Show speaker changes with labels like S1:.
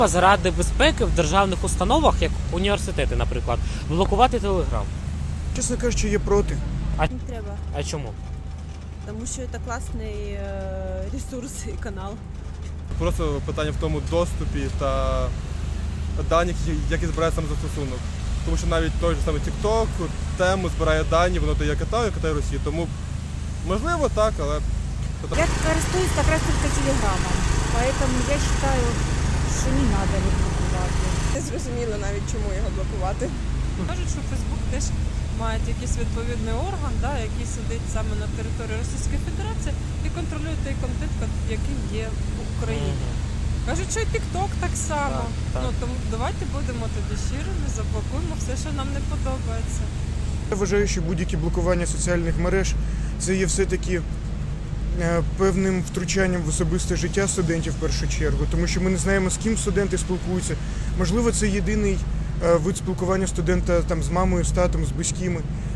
S1: Заради безпеки в державних установах, як університети, наприклад, блокувати Телеграм.
S2: Чесно кажучи, є проти.
S3: Не треба,
S1: А чому?
S3: тому що це класний ресурс і канал.
S4: Просто питання в тому доступі та даних, які збирає сам застосунок. Тому що навіть той же самий TikTok тему збирає дані, воно то є Китаю, Китай Росії. Тому можливо так, але
S5: Я користуюсь как раз только телеграммом, поэтому я считаю, що не надо його блокувати.
S6: Не зрозуміло навіть, чому його блокувати.
S7: Кажуть, що Фейсбук теж має якийсь відповідний орган, який сидить саме на території Російської Федерації і контролює той контент, який є в Україні. Кажуть, що і TikTok так само.
S1: Так.
S7: Тому давайте будемо тоді щирими, заблокуємо все, що нам не подобається.
S2: Я вважаю, що будь-які блокування соціальних мереж – це є все-таки певним втручанням в особисте життя студентів в першу чергу, тому що ми не знаємо, з ким студенти спілкуються. Можливо, це єдиний вид спілкування студента там, з мамою, з татом, з близькими.